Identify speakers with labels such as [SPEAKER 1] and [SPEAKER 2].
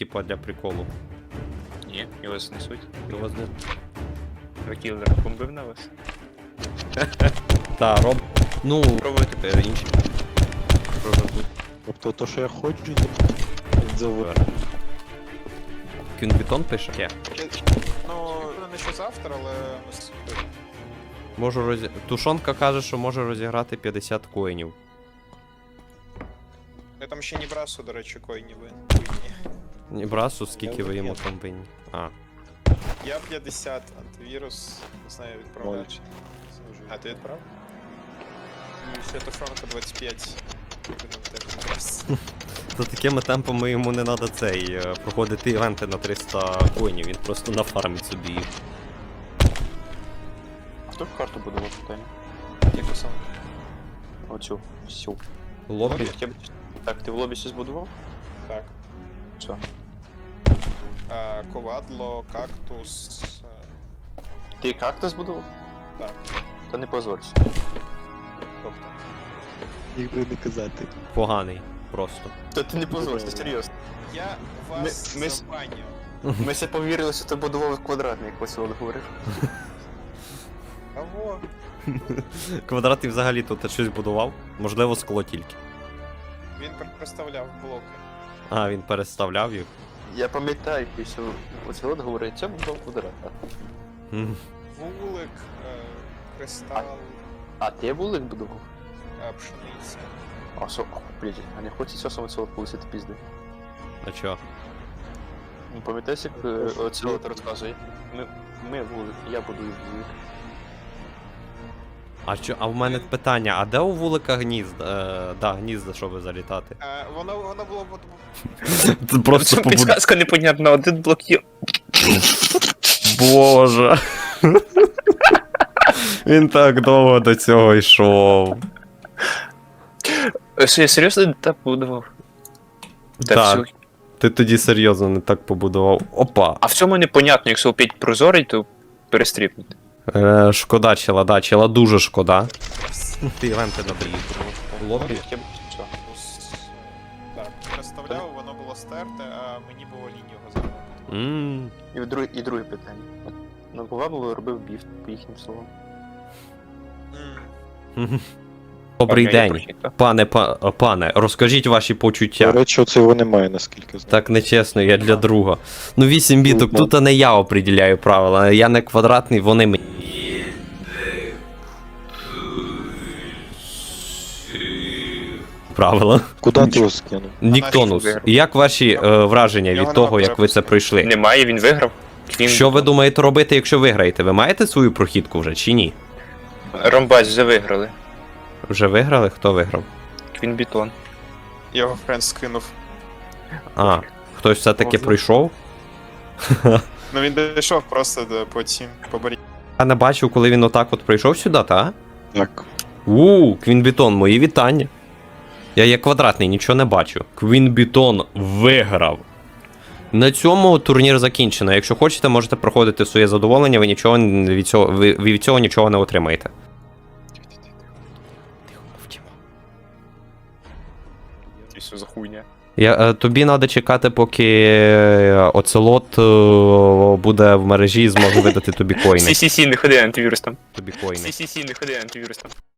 [SPEAKER 1] типа, для приколу.
[SPEAKER 2] Ні, його знесуть.
[SPEAKER 1] Його з...
[SPEAKER 2] Кілер бомбив на вас.
[SPEAKER 1] Та, роб... Ну,
[SPEAKER 2] Пробуйте.
[SPEAKER 1] інші. Пробуй.
[SPEAKER 3] Тобто то, що я хочу, завод.
[SPEAKER 1] Кюнбітон пише?
[SPEAKER 4] Ну, не що завтра, але
[SPEAKER 1] Можу Тушонка каже, що може розіграти 50 коїнів.
[SPEAKER 4] я там ще не брасу, до речі, коїнів винні.
[SPEAKER 1] Ні, брасу, скільки ви йому там винні. А.
[SPEAKER 4] Я 50, антивірус, не знаю, відправляю чи ні. А ти відправ? І ще тушонка 25. Будемо теж брас.
[SPEAKER 1] За такими темпами йому не треба проходити івенти на 300 коїнів, він просто нафармить собі їх.
[SPEAKER 2] Хто карту будував питання?
[SPEAKER 4] Яку саме?
[SPEAKER 2] Оцю, всю.
[SPEAKER 1] Лобі?
[SPEAKER 2] Так, ти в лобі щось будував?
[SPEAKER 4] Так.
[SPEAKER 2] Що?
[SPEAKER 4] Ковадло, кактус.
[SPEAKER 2] Ти кактус будував?
[SPEAKER 4] Так.
[SPEAKER 2] Та не позорься.
[SPEAKER 4] Тобто.
[SPEAKER 3] Їх би не казати.
[SPEAKER 1] Поганий. Просто.
[SPEAKER 2] Та ти не позорся, серйозно.
[SPEAKER 4] Я вас
[SPEAKER 2] Ми-
[SPEAKER 4] забаню.
[SPEAKER 2] Ми все повірили, що ти будував квадратний, як Василь говорив.
[SPEAKER 4] Кого?
[SPEAKER 1] Квадрат і взагалі тут щось будував? Можливо, скло тільки.
[SPEAKER 4] Він представляв блоки.
[SPEAKER 1] А, він переставляв їх.
[SPEAKER 2] Я пам'ятаю, що Василь говорить, це будував квадрат.
[SPEAKER 1] М.
[SPEAKER 4] Вулик, кристал,
[SPEAKER 2] А ти вулик будував?
[SPEAKER 4] пшениця.
[SPEAKER 2] А що, блядь, а не хочеться саме цього полисити пізди?
[SPEAKER 1] А чо?
[SPEAKER 2] Ну, пам'ятаєш, як Оцелот розказує? Ми вулик, я будую вулик.
[SPEAKER 1] А в мене питання, а де у вулика гнізда? Да, гнізда, щоб залітати.
[SPEAKER 4] Воно було
[SPEAKER 1] Це просто
[SPEAKER 2] Підсказка непонятна, один блок є.
[SPEAKER 1] Боже. Він так довго до цього йшов.
[SPEAKER 2] Що, я серйозно не так будував?
[SPEAKER 1] Так. Ти тоді серйозно не так побудував. Опа.
[SPEAKER 2] А в цьому непонятно, якщо опять прозорий, то перестріпнути.
[SPEAKER 1] Шкода чела, да, чела дуже шкода. Ти івенти набрій. Лобі?
[SPEAKER 4] Так, представляв, воно було стерте, а мені було лінь його зробити.
[SPEAKER 2] І друге питання. На Ковадло робив біф, по їхнім словам.
[SPEAKER 1] Добрий
[SPEAKER 2] Окей, я
[SPEAKER 1] день.
[SPEAKER 2] прочитав.
[SPEAKER 1] Пане, розкажіть ваші
[SPEAKER 3] До
[SPEAKER 1] почуття.
[SPEAKER 3] речі, оце немає, наскільки знаю.
[SPEAKER 1] Так нечесно, я для друга. Ну 8 біток, тут не я определяю правила, я не квадратний, вони мені. Правила.
[SPEAKER 3] Куди ти його скинув?
[SPEAKER 1] Ніктонус.
[SPEAKER 2] виграв.
[SPEAKER 1] Як ваші враження
[SPEAKER 4] Його
[SPEAKER 1] від того,
[SPEAKER 4] нема
[SPEAKER 1] як ви це пройшли?
[SPEAKER 2] Немає, він виграв.
[SPEAKER 1] Що ви думаєте робити, якщо виграєте? Ви маєте свою прохідку вже чи ні?
[SPEAKER 2] Ромбач вже виграли.
[SPEAKER 1] Вже виграли? Хто виграв?
[SPEAKER 2] Квінбітон.
[SPEAKER 4] Його френд скинув.
[SPEAKER 1] А, хтось все-таки пройшов?
[SPEAKER 4] Ну він дійшов просто по цим, по барі.
[SPEAKER 1] Я не бачив, коли він отак от прийшов сюди, та?
[SPEAKER 3] Так.
[SPEAKER 1] Квінбітон, мої вітання. Я є квадратний, нічого не бачу. Квінбітон виграв. На цьому турнір закінчено. Якщо хочете, можете проходити своє задоволення, ви нічого ви від цього нічого не отримаєте.
[SPEAKER 2] Це все за хуйня.
[SPEAKER 1] Тобі треба чекати, поки Оцелот буде в мережі і зможе видати тобі коїни.
[SPEAKER 2] Сі-сі-сі, не ходи антивірус там.
[SPEAKER 1] Тобі коїни.
[SPEAKER 2] Сі-сі-сі, не ходи антивірус там.